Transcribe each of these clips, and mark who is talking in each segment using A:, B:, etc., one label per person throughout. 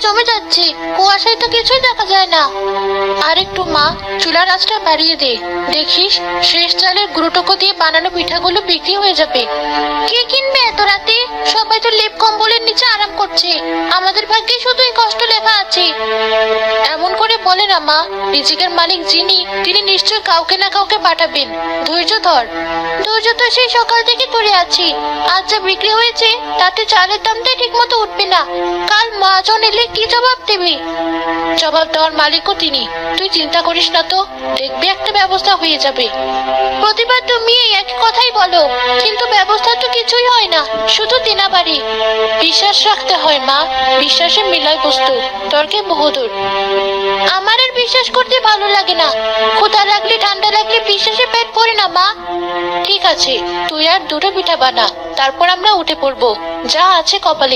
A: জমে যাচ্ছে, কুয়াশায় তো কিছুই দেখা যায় না। আর একটু মা, চুলার আঁচটা বাড়িয়ে দে। দেখিস শেষ চালের গুঁড়োটুকু দিয়ে বানানো পিঠাগুলো বিক্রি হয়ে যাবে। কে কিনবে এত রাতে? সবাই তো লেপ কম্বলের নিচে আরাম করছে, আমাদের ভাগ্যে শুধু এই কষ্ট লেখা আছে। এমন করে বলে না মা, রিজিকের মালিক যিনি তিনি নিশ্চয় কাউকে না কাউকে পাঠাবেন। ধৈর্য ধর। ধৈর্য তো সেই সকাল থেকে ধরে আছি। আজ যা বিক্রি হয়েছে তাতে চালের দামটাই ঠিক মতো উঠবে না। কাল মহাজন এলে কি জবাব দেবে? জবাব দেওয়ার মালিকও তিনি। তুই চিন্তা করিস না তো, দেখবি একটা ব্যবস্থা হয়ে যাবে। প্রতিবার তুমি এই একই কথাই বলো, কিন্তু ব্যবস্থা তো কিছুই হয় না, শুধু দিনাবাড়ি। বিশ্বাস রাখতে হয় মা, বিশ্বাসে মিলাই বস্তু, তর্কে বহুদূর। আমার আর বিশ্বাস করতে ভালো লাগে না। ক্ষুধা লাগলে ঠান্ডা লাগলে বিশ্বাসে পেট ভরে না মা। ঠিক আছে, তুই আর দুটো পিঠা বানা, তারপর আমরা উঠে পড়বো, যা আছে কপালে।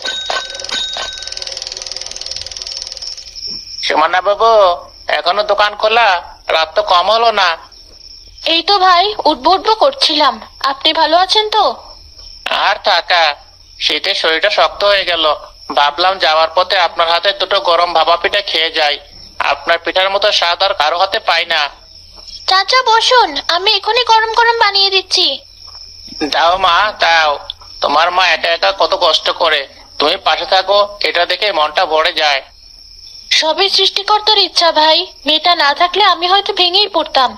B: সুমনা বাবু, এখনো দোকান খোলা? রাত তো কম হলো না।
A: এই তো ভাই, উঠবো উঠবো করছিলাম। আপনি ভালো আছেন তো?
B: আর থাকা, শীতে শরীরটা শক্ত হয়ে গেল। ভাবলাম যাওয়ার পথে আপনার হাতে দুটো গরম ভাপা পিঠা খেয়ে যাই। আপনার পিঠার মতো স্বাদ আর কারো হাতে পাই না।
A: চাচা বসুন, আমি এখনই গরম গরম বানিয়ে দিচ্ছি।
B: দাও মা, দাও। তোমার মা একা একা কত কষ্ট করে, তুমি পাশে থাকো, এটা দেখে মনটা ভরে যায়।
A: সবই সৃষ্টিকর্তার ইচ্ছা ভাই, মেয়েটা না থাকলে আমি হয়তো ভেঙেই পড়তাম।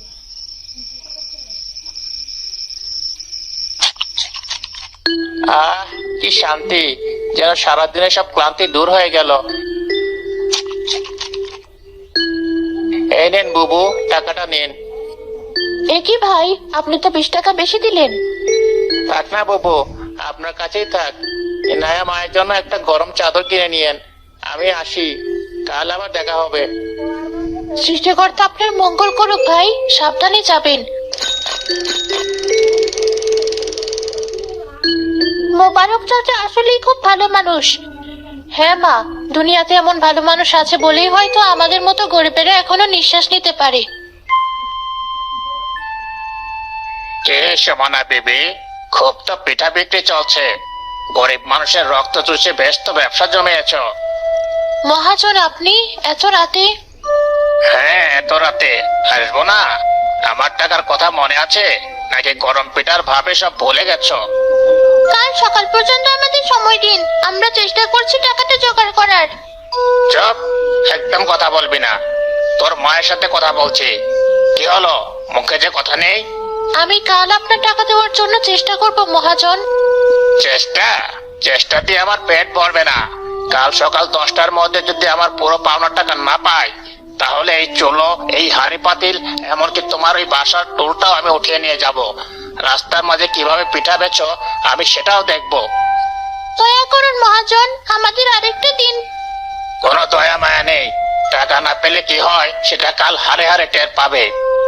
B: আহ, কি শান্তি, যেন সারাদিনের সব ক্লান্তি দূর হয়ে গেল। এই নেন বুবু, টাকাটা নিন।
A: এ কি ভাই, আপনি তো 20 টাকা বেশি দিলেন।
B: থাক না বুবু, আপনার কাছেই থাক। ইনায়া মায়ের জন্য একটা গরম চাদর কিনে নিয়েন। আমি আসি, কাল আবার দেখা হবে।
A: সৃষ্টিকর্তা আপনার মঙ্গল করুক ভাই, সাবধানে যাবেন। মোবারক চাচা আসলেই খুব ভালো মানুষ। হ্যাঁ মা, দুনিয়াতে এমন ভালো মানুষ আছে বলেই হয়তো আমাদের মতো গরিবেরা এখনো নিঃশ্বাস নিতে পারে।
B: কে সুমনা বিবি? খুব তো পিঠা বিক্রি চলছে। গরিব মানুষের রক্ত চুষে বেশ তো ব্যবসা জমিয়েছ।
A: মহাজন আপনি এত রাতে?
B: হ্যাঁ, এত রাতে আসবো না? আমার টাকার কথা মনে আছে নাকি গরম পিঠার ভাবে সব ভুলে গেছো?
A: কাল সকাল পর্যন্ত আমাদের সময় দিন, আমরা চেষ্টা করছি টাকাটা জোগাড় করার।
B: চুপ, একদম কথা বলবি না। তোর মায়ের সাথে কথা বলছি। কি হলো, মুখে যে কথা নেই?
A: আমি কাল আপনার টাকা দেওয়ার জন্য চেষ্টা করব মহাজন।
B: চেষ্টা? চেষ্টা দিয়ে আমার পেট ভরবে না। কাল সকাল 10টার মধ্যে যদি আমার পুরো পাওনা টাকা না পাই, তাহলে এই চুলো, এই হাঁড়ি পাতিল, এমনকি তোমার ওই বাসার টুলটাও আমি উঠিয়ে নিয়ে যাব। রাস্তার মাঝে কিভাবে পিঠা বেচো আমি সেটাও দেখবো।
A: দয়া করুন মহাজন, আমাদের আরেকটা দিন।
B: কোনো দয়া মায়া নেই। টাকা না পেলে কি হয় সেটা কাল হারে হারে টের পাবে।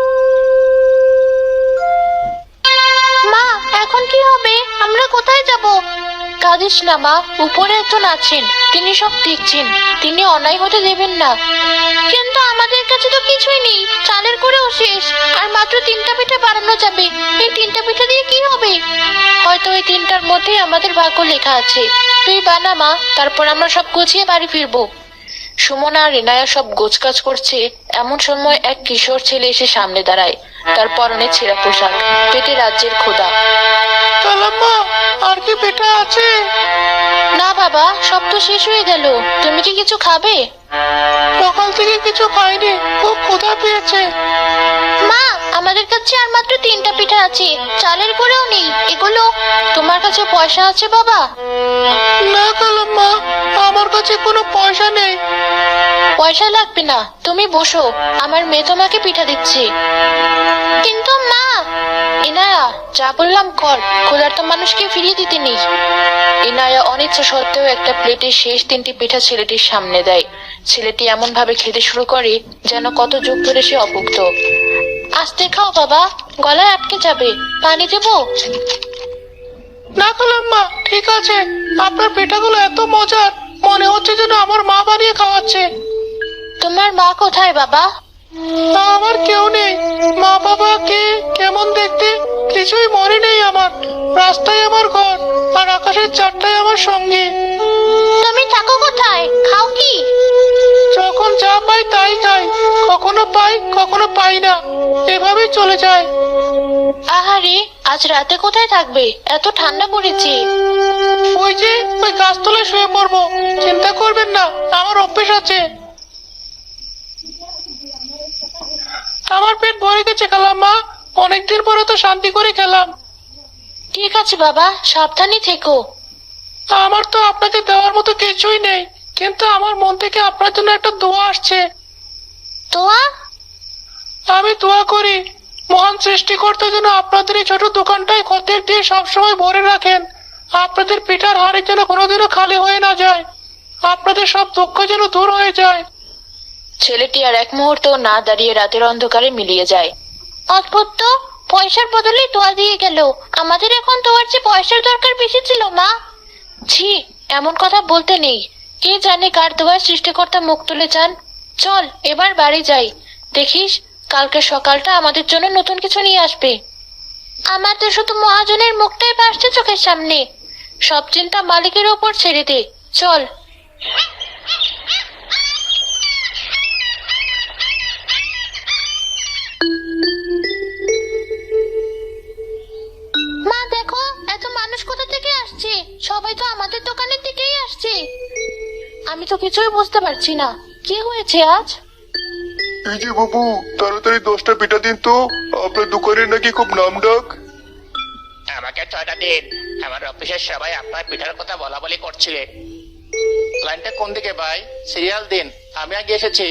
A: মা, এখন কি হবে? আমরা কোথায় যাব? কাঁদিস না মা, উপরে একজন আছেন, তিনি সব দেখছেন, তিনি অন্যায় হতে দেবেন না। কিন্তু আমাদের কাছে তো কিছুই নেই, চালের করেও শেষ, আর মাত্র 3টা পিঠা বানানো যাবে। এই 3টা পিঠা দিয়ে কি হবে? হয়তো ওই 3টার মধ্যেই আমাদের ভাগ্য লেখা আছে। তুই বানা মা, তারপর আমরা সব গুছিয়ে বাড়ি ফিরবো। সুমনা আর রিনায়া সব গোছকাজ করছে, এমন সময় এক কিশোর ছেলে এসে সামনে দাঁড়ায়। তার পরনে ছেঁড়া পোশাক, পেটে রাজ্যের ক্ষুধা।
B: কালাম্মা, আর কি পিঠা আছে?
A: না বাবা, সব তো শেষ হয়ে গেল। তুমি কি কিছু খাবে?
B: সকাল থেকে কিছু খাইনি, খুব ক্ষুধা পেয়েছে।
A: মা, আমাদের কাছে আর মাত্র 3টা পিঠা আছে, চালের করেও নেই। এগুলো তোমার কাছে পয়সা আছে বাবা?
B: না কালাম্মা, আমার কাছে কোনো পয়সা নেই।
A: পয়সা লাগবে না, তুমি বসো, আমার মেয়ে তোমাকে পিঠা দিচ্ছে। কিন্তু মা। ইনায়া, যা বললাম কর, ক্ষুধার্ত মানুষকে ফিরিয়ে দিতে নেই। ইনায়া অনিচ্ছা সত্ত্বেও একটা প্লেটে শেষ 3টি পিঠা ছেলেটির সামনে দেয়। ছেলেটি এমন ভাবে খেতে শুরু করে যেন কত যুগ ধরে সে অভুক্ত। আস্তে খাও বাবা, গলায় আটকে যাবে। পানি দেবো?
B: না কালাম্মা, ঠিক আছে। আপনার পিঠাগুলো এত মজার, মনে হচ্ছে যেন আমার মা বানিয়ে খাওয়াচ্ছে।
A: তোমার মা কোথায় বাবা?
B: আমার কেউ নেই। মা বাবা কে, কেমন দেখতে কিছুই মনে নেই আমার। রাস্তায় আমার ঘর, আর আকাশের চারটায় আমার সঙ্গে।
A: তুমি থাকো কোথায়, খাও কি?
C: যখন যা পাই তাই খাই, কখনো পাই কখনো পাই না, এভাবেই চলে যায়।
A: আহারে, আজ রাতে কোথায় থাকবে? এত ঠান্ডা পড়েছে।
C: ওই যে ওই গাছতলায় শুয়ে পড়বো, চিন্তা করবেন না, আমার অভ্যেস আছে। আমার পেট ভরে গেছে খালাম্মা, অনেকদিন পরে তো শান্তি করে খেলাম।
A: ঠিক আছে বাবা, সাবধানে থেকো।
C: আমার তো আপনাকে দেওয়ার মতো কিছুই নেই, কিন্তু আমার মন থেকে আপনার জন্য একটা দোয়া আসছে।
A: তোয়া,
C: আমি দোয়া করি মহান সৃষ্টিকর্তা যেন আপনাদের এই ছোট দোকানটায় খদ্দের দিয়ে সবসময় ভরে রাখেন, আপনাদের পিঠার হাড়ি যেন কোনোদিনও খালি হয়ে না যায়, আপনাদের সব দুঃখ যেন দূর হয়ে যায়।
A: ছেলেটি আর এক মুহূর্ত না দাঁড়িয়ে রাতের অন্ধকারে মিলিয়ে যায়। অদ্ভুত তো, পয়সার বদলে তোয়া দিয়ে গেল। আমাদের এখন তোয়ার চেয়ে পয়সার দরকার বেশি ছিল মা। ছি, এমন কথা বলতে নেই। কে জানে কার দোয়ায় সৃষ্টিকর্তা মুখ তুলে যান। চল এবার বাড়ি যাই, দেখিস কালকে সকালটা আমাদের জন্য নতুন কিছু নিয়ে আসবে। আমার তো শুধু মহাজনের মুখটাই ভাসছে চোখের সামনে। সব চিন্তা মালিকের ওপর ছেড়ে দে, চল। মা দেখো, এত মানুষ কোথা থেকে আসছে? সবাই তো আমাদের দোকানের দিকেই আসছে। আমি তো কিছুই বুঝতে পারছি না, কি হয়েছে আজ?
D: এই যে বাবু, তাড়াতাড়ি 10টা পিঠা দিন তো, আপনার দোকানের নাকি খুব নাম ডাক।
B: আমাকে 6টা দিন, আমার অফিসের সবাই আপনার পিঠার কথা বলা বলি করছিলেন। লাইনটা কোন দিকে ভাই? সিরিয়াল দিন, আমি আগে এসেছি।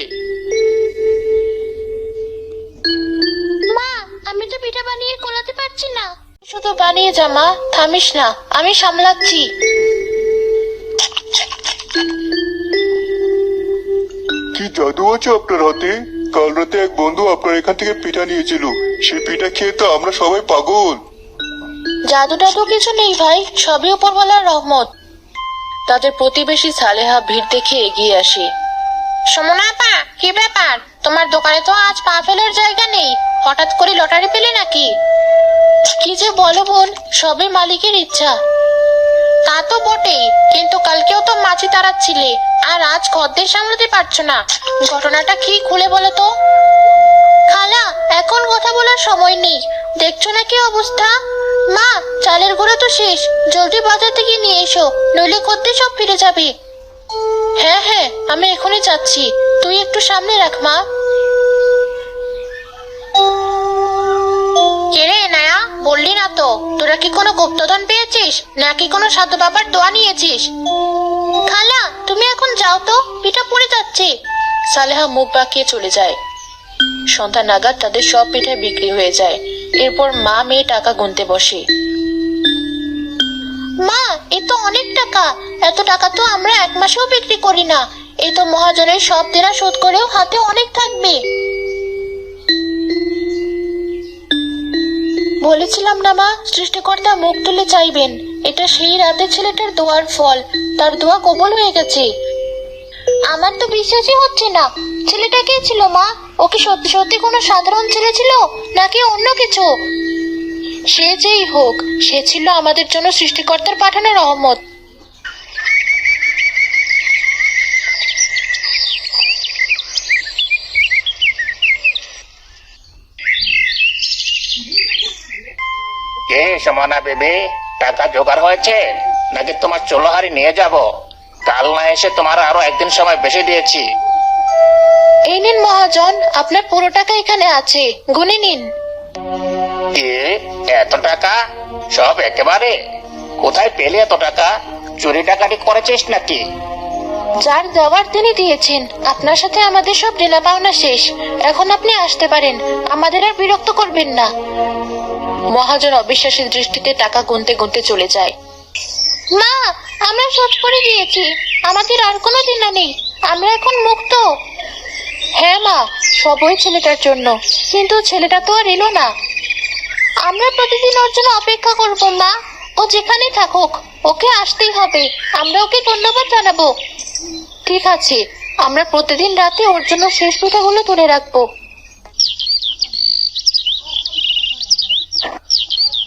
A: মা, আমি তো পিঠা বানিয়ে কোলাতে পারছি না। শুধু বানিয়ে যা মা, থামিস না, আমি সামলাচ্ছি।
D: কি জাদু আছে আপনার হাতে? কাল রাতে এক বন্ধু আপনার এখান থেকে পিঠা নিয়েছিল, সেই পিঠা খেয়ে তো আমরা সবাই পাগল।
A: জাদু টাদু কিছু নেই ভাই, সবই উপরওয়ালার রহমত। তাদের প্রতিবেশী সালেহা ভিড় দেখে এগিয়ে আসে। সমনা আপা, কি ব্যাপার? তোমার দোকানে তো আজ পা ফেলার জায়গা নেই, হঠাৎ করে লটারি পেলে নাকি? কি যে বলো বোন, সবই মালিকের ইচ্ছা। তা তো বটেই, কিন্তু কালকেও তো মাছি তাড়াচ্ছিলে, আর আজ খদ্দের সামলাতে পারছো না। ঘটনাটা কি খুলে বলো তো। খালা, এখন কথা বলার সময় নেই, দেখছো না কি অবস্থা। মা, চালের গুঁড়ো তো শেষ, জলদি বাজার থেকে নিয়ে এসো, নইলে খদ্দের সব ফিরে যাবে। হ্যাঁ হ্যাঁ, আমি এখনই যাচ্ছি, তুই একটু সামনে রাখ মা। কেরে নায়া, বললি না তো, তোরা কি কোনো গুপ্তধন পেয়েছিস নাকি কোনো সাধু বাবার দোয়া নিয়েছিস? খালা, তুমি এখন যাও তো, পিঠা পড়ে যাচ্ছে। সালেহা মুখ বাঁকিয়ে চলে যায়। সন্ধ্যা নাগাদ তাদের সব পিঠা বিক্রি হয়ে যায়। এরপর মা মেয়ে টাকা গুনতে বসে। মা, এ তো অনেক টাকা, এত টাকা তো আমরা এক মাসেও বিক্রি করি না। এই তো মহাজনের সব দেনা শোধ করেও হাতে অনেক থাকবে। বলেছিলাম না মা, সৃষ্টিকর্তা মুখ তুলে চাইবেন। এটা সেই রাতে ছেলেটার দোয়ার ফল, তার দোয়া কবুল হয়ে গেছে। আমার তো বিশ্বাসই হচ্ছে না। ছেলেটা কে ছিল মা? ও কি সত্যি সত্যি কোনো সাধারণ ছেলে ছিল নাকি অন্য কিছু? সে যেই হোক, সে ছিল আমাদের জন্য সৃষ্টিকর্তার পাঠানো রহমত।
B: কে সমানা বেবি, টাকা জোগাড় হয়েছে নাকি তোমার চোলোহারি নিয়ে যাব? কাল না এসে তোমার আরো একদিন সময় বেশি দিয়েছি।
A: এই নিন মহাজন, আপনার পুরো টাকা এখানে আছে, গুনে নিন।
B: কি, এত টাকা? সব একেবারে? কোথায় পেলে এত টাকা? চুরি ডাকাতি করেছিস নাকি?
A: যার দেওয়ার তিনি দিয়েছেন। আপনার সাথে আমাদের সব দেনা পাওনা শেষ, এখন আপনি আসতে পারেন, আমাদের আর বিরক্ত করবেন না। মহাজন অবিশ্বাসী দৃষ্টিতে টাকা গুনতে গুনতে চলে যায়। মা, আমরা শোধ করে দিয়েছি, আমাদের আর কোনো দেনা নেই, আমরা এখন মুক্ত। হ্যাঁ মা, সব ওই ছেলেটার জন্য, কিন্তু ছেলেটা তো আর এলো না। আমরা প্রতিদিন ওর জন্য অপেক্ষা করব মা, ও যেখানেই থাকুক ওকে আসতেই হবে, আমরা ওকে ধন্যবাদ জানাবো। ঠিক আছে, আমরা প্রতিদিন রাতে ওর জন্য শেষ পিঠাগুলো তুলে রাখবো।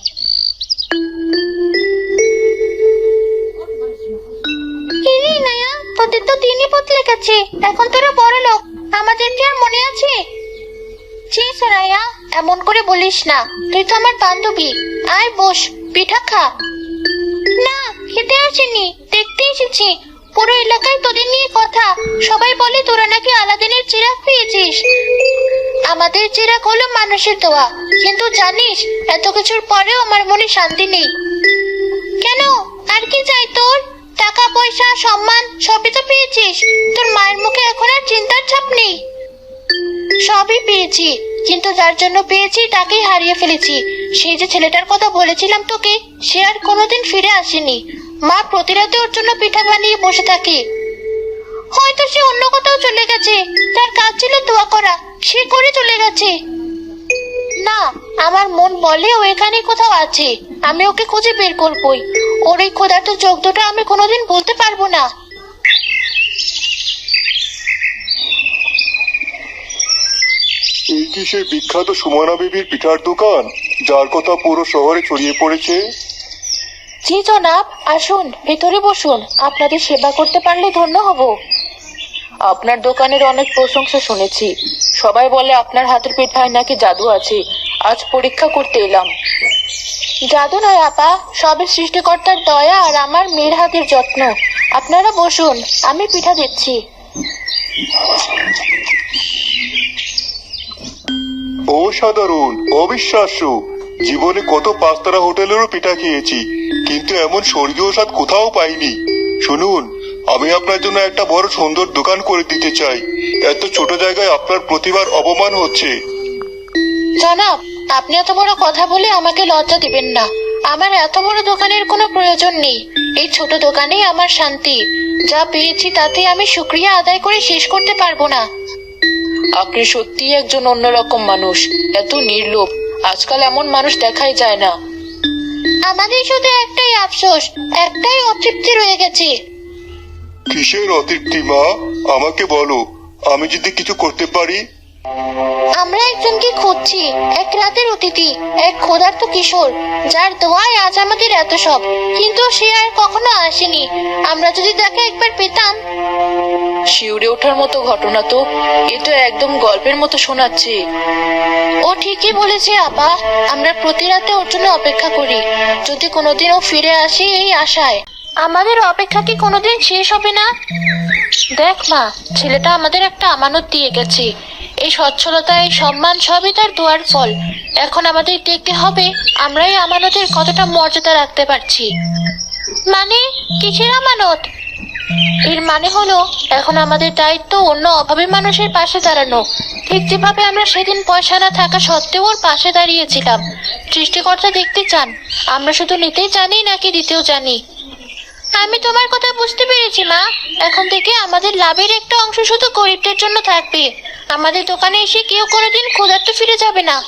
A: কিরে নায়া, হয়ে গেছে, এখন তোরা বড় লোক, আমাদের কি আর মনে আছে? ছি সোরাইয়া, এমন করে বলিস না, তুই তো আমার বান্ধবী। আয় বস, পিঠা খা। না, খেতে আসিনি, দেখতে এসেছি। পুরো এলাকায় তোদের নিয়ে কথা, সবাই বলে তোরা নাকি আলাদিনের চিরাগ পেয়েছিস। আমাদের চিরাগ হলো মানুষের দোয়া, কিন্তু জানিস এত কিছুর পরেও আমার মনে শান্তি নেই। কেন, আর কি চাই তোর? টাকা পয়সা সম্মান সবই তো পেয়েছিস, তোর মায়ের মুখে এখন আর চিন্তার ছাপ নেই। সবই পেয়েছি, কিন্তু যার জন্য পেয়েছি তাকেই হারিয়ে ফেলেছি। সেই যে ছেলেটার কথা বলেছিলাম তোকে, সে আর কোনোদিন ফিরে আসেনি। মা প্রতি রাতে ওর জন্য পিঠা বানিয়ে বসে থাকে। হয়তো সে অন্য কোথাও চলে গেছে, তার কাজ ছিল দোয়া করা, সে করে চলে গেছে। না, আমার মন বলে ও এখানে কোথাও আছে, আমি ওকে খুঁজে বের করবই। ওর এই ক্ষুধার্ত চোখ দুটো আমি কোনোদিন বলতে পারবো না।
D: এই কি সেই বিখ্যাত সুমনা বেবির পিঠার দোকান, যার কথা পুরো শহরে ছড়িয়ে পড়েছে?
A: জি জনাব, আসুন ভেতরে বসুন, আপনাদের সেবা করতে পারলে ধন্য হব।
E: আপনার দোকানের অনেক প্রশংসা শুনেছি, সবাই বলে আপনার হাতের পিঠায় নাকি জাদু আছে। আজ পরীক্ষা করতে এলাম।
A: জাদু নয় আপা, সবের সৃষ্টিকর্তার দয়া আর আমার মেয়ের হাতের যত্ন। আপনারা বসুন, আমি পিঠা দিচ্ছি।
D: অসাধারণ, অবিশ্বাস্য। জীবনে কত পাঁচতারা হোটেলেরও পিঠা খেয়েছি, কিন্তু এমন স্বর্গীয় স্বাদ কোথাও পাইনি। শুনুন, আমি আপনার জন্য একটা বড় সুন্দর দোকান করে দিতে চাই। এত ছোট জায়গায় আপনার প্রতিভার অপমান হচ্ছে।
A: জনাব, আপনি এত বড় কথা বলে আমাকে লজ্জা দিবেন না। আমার এত বড় দোকানের কোনো প্রয়োজন নেই, এই ছোট দোকানেই আমার শান্তি। যা পেয়েছি তাতে আমি শুকরিয়া আদায় করে শেষ করতে পারবো না।
E: আপনি সত্যি একজন অন্যরকম মানুষ, এত নির্লোভ। আজকাল এমন মানুষ দেখাই যায় না।
A: আমাদের শুধু একটাই আফসোস, একটাই অতৃপ্তি রয়ে গেছে।
D: কিসের অতৃপ্তি মা? আমাকে বলো, আমি যদি কিছু করতে পারি।
A: আমরা একজনকে খুঁজছি, এক রাতের অতিথি, এক ক্ষুধার্ত কিশোর, যার দোয়ায় আজ আমাদের এত সব, কিন্তু সে আর কখনো আসেনি। আমরা যদি তাকে একবার পেতাম।
E: শিউরে ওঠার মতো ঘটনা তো, এ তো একদম গল্পের মতো শোনাচ্ছে।
A: ও ঠিকই বলেছে আপা, আমরা প্রতি রাতে ওর জন্য অপেক্ষা করি, যদি কোনোদিন ও ফিরে আসে এই আশায়। আমাদের অপেক্ষা কি কোনোদিন শেষ হবে না? দেখ মা, ছেলেটা আমাদের একটা আমানত দিয়ে গেছে। এই সচ্ছলতা, এই সম্মান সবই তার দোয়ার ফল। এখন আমাদের দেখতে হবে আমরা এই আমানতের কতটা মর্যাদা রাখতে পারছি। মানে কিসের আমানত? এর মানে হলো এখন আমাদের দায়িত্ব অন্য অভাবী মানুষের পাশে দাঁড়ানো, ঠিক যেভাবে আমরা সেদিন পয়সা না থাকা সত্ত্বেও ওর পাশে দাঁড়িয়েছিলাম। সৃষ্টিকর্তা দেখতে চান আমরা শুধু নিতেই জানি নাকি দিতেও জানি। আমি তোমার কথা বুঝতে পেরেছি মা, এখন থেকে আমাদের লাভের একটা অংশ শুধু গরিবদের জন্য থাকবে। আমাদের দোকানে এসে কেউ কোনোদিন ক্ষুধার্ত ফিরে যাবে না।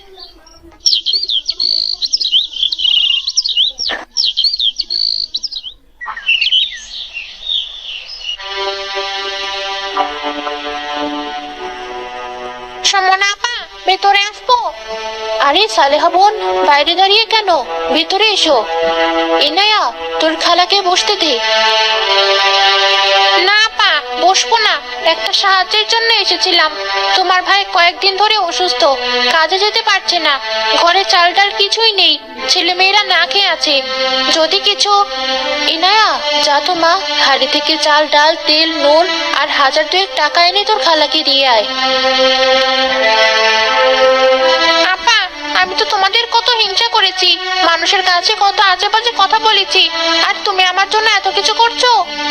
A: সমনা আপা, ভেতরে আসবো? আরে সালেহা বোন, বাইরে দাঁড়িয়ে কেন, ভেতরে এসো। ইনায়া, তোর খালাকে বসতে দে। না আপা, বসবো না, একটা সাহায্যের জন্য এসেছিলাম। তোমার ভাই কয়েকদিন ধরে অসুস্থ, কাজে যেতে পারছে না, ঘরে চাল ডাল কিছুই নেই, ছেলে মেয়েরা না খেয়ে আছে। যদি কিছু। ইনায়া, যা তো মা, হাড়ি থেকে চাল ডাল তেল নুন আর 1000-2 টাকা এনে তোর খালাকে দিয়ে আয়। আপা, আমি তো তোমাদের কত হিংসা করেছি, মানুষের কাছে কত আজে বাজে কথা বলেছি, আর তুমি আমার জন্য এত কিছু করছো।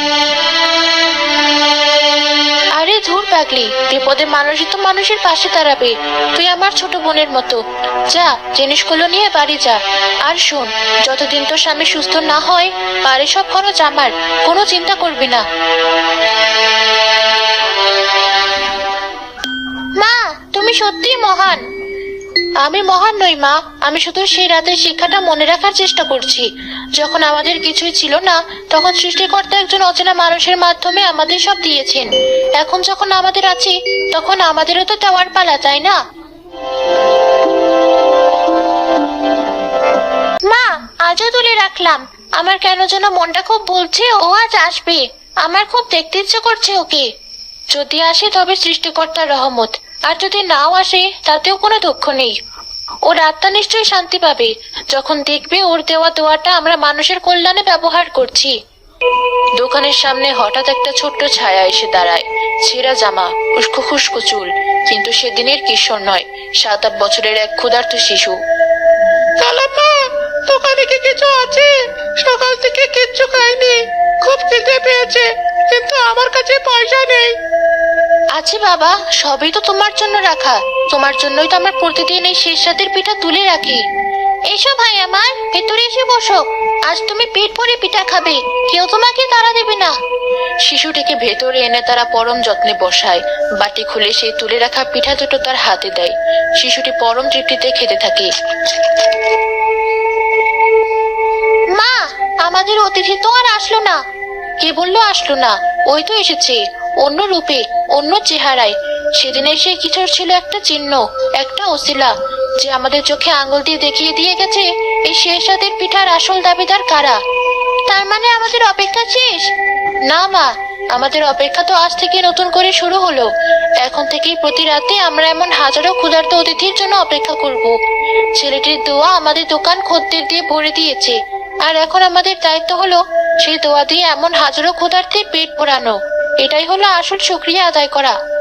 A: আরে ধুর পাগলি, বিপদে মানুষই তো মানুষের পাশে দাঁড়াবে। তুই আমার ছোট বোনের মতো। যা, জিনিসগুলো নিয়ে বাড়ি যা। আর শোন, যতদিন তোর স্বামী সুস্থ না হয় বাড়ির সব খরচ আমার, কোনো চিন্তা করবি না। মা, তুমি সত্যিই মহান। আমি মহান নই মা, আমি শুধু সেই রাতের শিক্ষাটা মনে রাখার চেষ্টা করছি। যখন আমাদের কিছুই ছিল না, তখন সৃষ্টিকর্তা একজন অচেনা মানুষের মাধ্যমে আমাদের সব দিয়েছেন। এখন যখন আমাদের আছে, তখন আমাদেরও তো দেওয়ার পালা, তাই না? মা, আজও তুলে রাখলাম। আমার কেন যেন মনটা খুব বলছে ও আজ আসবে। আমার খুব দেখতে ইচ্ছে করছে ওকে। যদি আসে তবে সৃষ্টিকর্তার রহমত, আর যদি নাও আসে তাতেও কোনো দুঃখ নেই। ওর আত্মা নিশ্চয়ই শান্তি পাবে যখন দেখবে ওর দেওয়া দোয়াটা আমরা মানুষের কল্যাণে ব্যবহার করছি। দোকানের সামনে হঠাৎ একটা ছোট্ট ছায়া এসে দাঁড়ায়। ছেঁড়া জামা, উস্কো খুস্কো চুল, কিন্তু সেদিনের কিশোর নয়, 7-8 বছরের এক ক্ষুধার্ত শিশু।
C: খালাম্মা, দোকানে কি কিছু আছে? সকাল থেকে কিচ্ছু খাইনি, খুব খিদে পেয়েছে, কিন্তু আমার কাছে পয়সা নেই।
A: আছে বাবা, সবই তো তোমার জন্য রাখা। তোমার জন্যই তো আমরা প্রতিদিন এই শেষ রাতের পিঠা তুলে রাখি। এসো ভাই আমার, ভেতরে এসে বসো। আজ তুমি পেট ভরে পিঠা খাবে, কেউ তোমাকে তাড়া দেবে না। শিশুটিকে ভেতরে এনে তারা পরম যত্নে বসায়। বাটি খুলে সেই তুলে রাখা পিঠা দুটো তার হাতে দেয়। শিশুটি পরম তৃপ্তিতে খেতে থাকে। মা, আমাদের অতিথি তো আর আসলো না। কে বললো আসলো না? ওই তো এসেছে, অন্য রূপে, অন্য চেহারায়। সেদিনের সেই কিছুর ছিল একটা চিহ্ন, একটা ওসিলা, যে আমাদের চোখে আঙুল দিয়ে দেখিয়ে দিয়ে গেছে এই শেষ রাতের পিঠার আসল দাবিদার কারা। তার মানে আমাদের অপেক্ষা শেষ? না মা, আমাদের অপেক্ষা তো আজ থেকে নতুন করে শুরু হলো। এখন থেকেই প্রতি রাতে আমরা এমন হাজারো ক্ষুধার্ত অতিথির জন্য অপেক্ষা করব। ছেলেটির দোয়া আমাদের দোকান খদ্দের দিয়ে ভরে দিয়েছে, আর এখন আমাদের দায়িত্ব হলো সেই দোয়া দিয়ে এমন হাজারো ক্ষুধার্তের পেট ভরানো। এটাই হলো আসল শুকরিয়া আদায় করা।